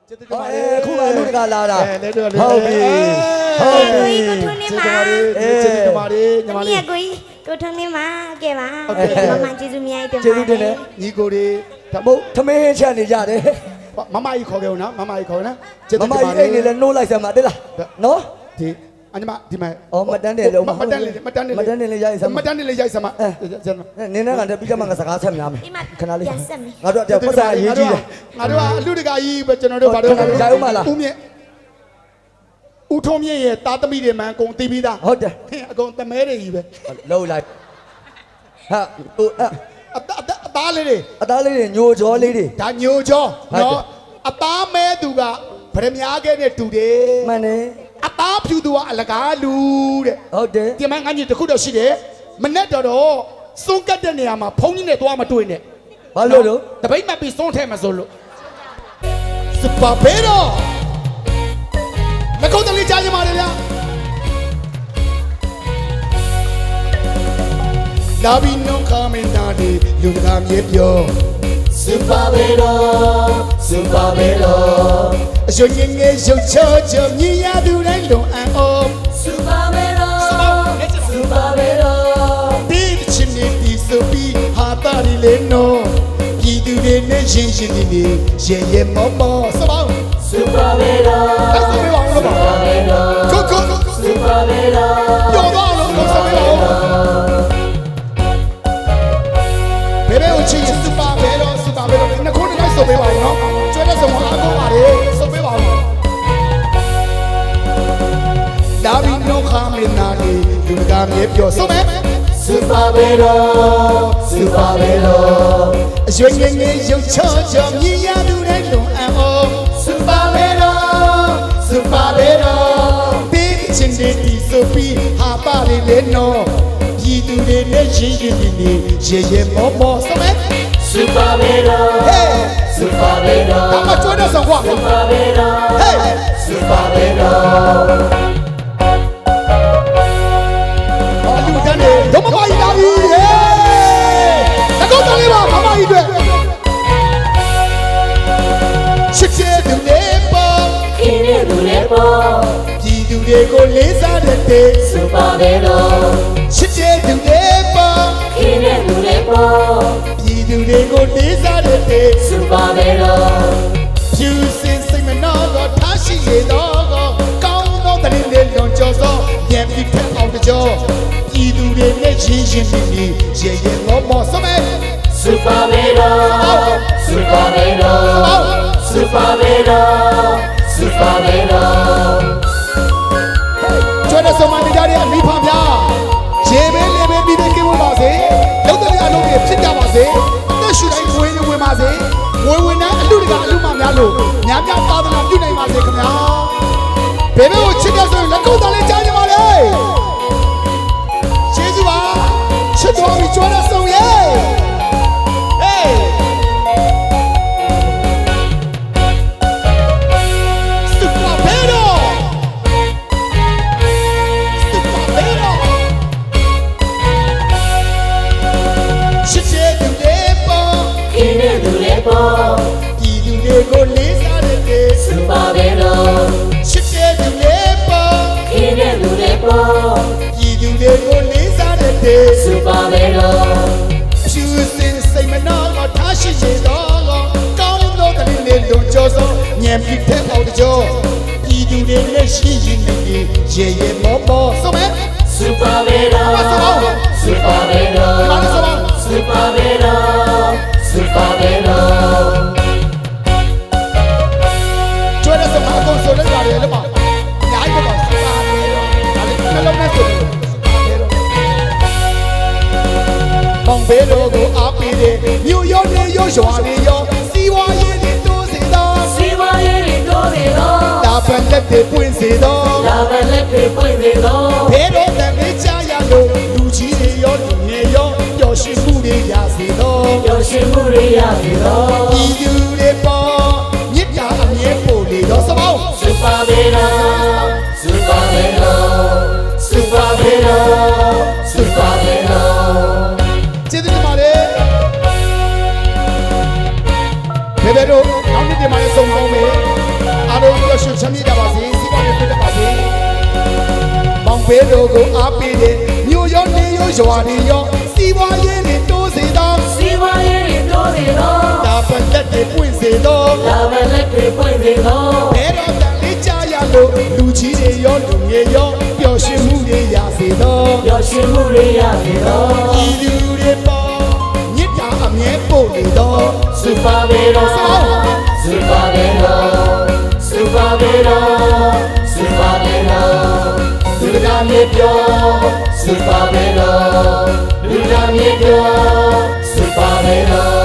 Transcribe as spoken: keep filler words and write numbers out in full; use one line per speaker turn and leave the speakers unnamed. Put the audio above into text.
ခုမှလူတကာလာတာ
လဲတော့လေ
ဟုတ်ပြီဟုတ်ပြီ
ကိုထွန်းနေမှာ
ကျေးဇူးတင်ပါတယ်ညီမ
မ
လေး
လေးကိုကြီးကိုထွန်းနေမှာကဲပါမမကျေးဇူးများတင်ပါ
ကျေးဇူးတင်တယ်
ညီကိုတွေ
ဓမ္မသမင်းချက်နေကြတယ်
မမကြီးခေါ်ခဲ့ဦးနော်မမကြီးခေါ်နော်
မမကြီးအိတ်နေလဲနှိုးလိုက်စမ်းပါတိလားနော်
ဒီအညီမဒီမဲ့
အော်မတန်းတယ်လုံး
မတန်းလေမတန်းလေ
မတန်းတယ်လေရိုက်စမ်း
မတန်းလေရိုက်စမ်းမ
နင်းနဲ့ကတည်းကပြီးကြမှာငါစကားဆက်များမယ်
ဒီမှာ
ခဏလေး
ပြန်ဆက်မယ်
ငါတို့တော့ပတ်စာအရေးကြီးတယ်
ငါတို့ကအလူတကာကြီးပဲကျွန်တော်တို့ဘာလို့ဦးမြင့်ဦးထုံးမြင့်ရဲ့တာသမီတွေမှန်အကုန်တီးပြီးသား
ဟုတ်တယ်
အကုန်တမဲတွေကြီးပဲ
လှုပ်လိုက်ဟာဟို
အတအသားလေးတွေ
အသားလေးတွေညိုကြောလေးတွေ
ဒါညိုကျော်နော်အသားမဲသူကဗရမ ्या ခဲ့တဲ့တူတယ်
မှန်တယ်
အသားဖြူသူကအလကားလူတဲ့
ဟုတ်တယ်
ဒီမှာငါကြီးတခုတော့ရှိတယ်မနဲ့တော့တော့စွန့်ကတ်တဲ့နေရာမှာဖုံးကြီးနဲ့သွားမတွေ့နဲ့
ဘာလို့လို့
တပိတ်မှပြီးစွန့်ထဲမှာဆိုလို့စပါဘေရောမကုတ်တလေးကြားကြပါလေဗျာလာဘီနုံခမင်တာဒီလူကမြေပြောစပါဘေရောစပါဘေရောအရွှင်ငယ်ရုပ်ချောချောမြင်ရသူတိုင်းလုံအံ့ဩ
Super Vero, Super Vero,
ဒီချင်းနေဒီဆိုပြီးဟာတာရီလေနော်ပြည်သူတွေနဲ့ရှင်းရှင်းဒီနေရဲရဲမောမောစပါ
Super Vero,
လက်စပေးပါဦးလို့ပါကိုကိုကို
Super Vero,
ပြောတော့လို့ကိုစပေးပါဦးဘယ်ဘယ်ကိုချင်းစပါဘယ်တော့စပါဘယ်တော့နှစ်ခုနဲ့ဆိုပေးပါဦးနော်ကျွဲတဲ့ဆုံးအားကိုပါလေဆိုပေးပါဦးဒါဘီနိုခါမင်းနာဒီလူကမြေပြောဆုံးမယ်
Super Vero, Super Vero,
အရွှင်ငယ်ငယ်ရုပ်ချောချောမြင်ရသူတိုင်းလုံအံ့ဩ
Super Vero, Super Vero,
ဒီချင်းနေဒီဆိုပြီးဟာပါလေလေနော်ပြည်သူတွေနဲ့ရင်းရင်းနေနေရဲရဲမောမောဆုံးမယ်
Super Vero, Super Vero,
ဒါမှကျွဲတဲ့ဆုံးကွာ
Super Vero,
ဟေး
Super Vero,
အလူတန်းနေဒမမကြီးလာပြီဟေးတကောတလေးပါမမကြီးတွေချစ်ချစ်သူလေးပေါ်
Kine Dulepo,
ပြည်သူတွေကိုလေးစားတဲ့တဲ့
Super Vero,
ချစ်ချစ်သူလေးပေါ်
Kine Dulepo,
ပြည်သူတွေကိုလေးစားတဲ့တဲ့
Super Vero,
ဖြူစင်စိတ်မနှောတော့ထားရှိရတော့ကောင်းသောတရင်လေးလွန်ကျော်သောညံပြီးဖက်အောင်ကြောပြည်သူတွေနဲ့ရင်းရင်းနေနေရဲရဲမောမောဆုံးမယ်
Super Vero, Super Vero, Super Vero, Super Vero.
ကျွဲတဲ့ဆုံးမနေကြတဲ့အမိဖများရေပဲလေပဲပြီးပြီးကင်းဝပါစေလုံးတဲ့အလုံးတွေဖြစ်ကြပါစေအသက်ရှူတိုင်းဝင်နေဝင်ပါစေဝင်ဝင်နဲ့အလူတကအလူမများလို့များများသာသနာပြုနိုင်ပါစေခင်ဗျာဘယ်ဘက်ကိုချစ်တဲ့ဆိုရင်လက်ကုပ်သားလေးကြားကြပါလေကျေးဇူးပါချစ်တော်ပြီးကျွဲတဲ့ဆုံးရဲ့ဟေးစပါဘယ်တော့စပါဘယ်တော့ချစ်တဲ့သူလေးပေါ်
Kine Dulepo,
ပြည်သူတွေကိုလေးစားတဲ့
Super Vero,
ချစ်တဲ့သူလေးပေါ်
Kine Dulepo,
ပြည်သူတွေကိုလေးစားတဲ့
Super Vero,
ဖြူစင်စိတ်မနှောတော့ထားရှိရတော့ကောင်းသောတရင်လေးလွန်ကျော်သောညံပြီးဖက်အောင်ကြောပြည်သူတွေနဲ့ရှိရင်နေရေရေမောမောဆုံးမယ်
Super Vero, Super Vero, Super Vero, Super Vero.
ကျွဲတဲ့ဆုံးမအကုန်ဆိုလိုက်ရတယ်လို့ပါညာကြီးပေါ့စပါလေဒါလည်းနှလုံးနဲ့ဆိုတယ်စပါလေတော့မောင်ဘဲတော်ကိုအားပေးတဲ့မြို့ရောနေရောရွာနေရောစီဝါရေးတွေတိုးစေသော
Siwa yeri dorido,
ဒါပန်လက်တွေပွင့်စေသော
la belle che poi vedo.
ဘဲတော်တန်လေးချရလို့လူကြီးတွေရောလူငယ်ရောပျော်ရွှင်မှုတွေရစေသော
Yoshimuri yavido,
ဤသူတွေပေါ်မြစ်တာအမြဲပို့လေတော့စပောင်း
Super Vero, Super Vero, Super Vero, Super Vero.
ကျေးဇူးတင်ပါတယ်ဘယ်ဘယ်တော့နောက်နေ့ဒီမှာလည်းစုံပေါင်းမယ်ဘဲတော်ကိုအားပေးတယ်မြို့ရောနေရောရွာတွေရောစီးပွားရေးတွေတိုးစေသော
စီဝါရေးတွေတိုးစေသော
ဒါပတ်သက်တွေပွင့်စေသော
လာဘလက်တွေပွင့်စေသော
ဘဲတော်တန်လေးကြားရလို့လူကြီးတွေရောလူငယ်ရောပျော်ရွှင်မှုတွေရစေသော
ပျော်ရွှင်မှုတွေရစေသော
ဤလူတွေပေါ်မြစ်တာအမြဲပို့နေသော
စူပါဘေရောစူပါဘေရောစူပါဘေရောစူပါဘေရောလူကမြေပြောစူပါဘေရောလူကမြေပြောစူပါဘေရော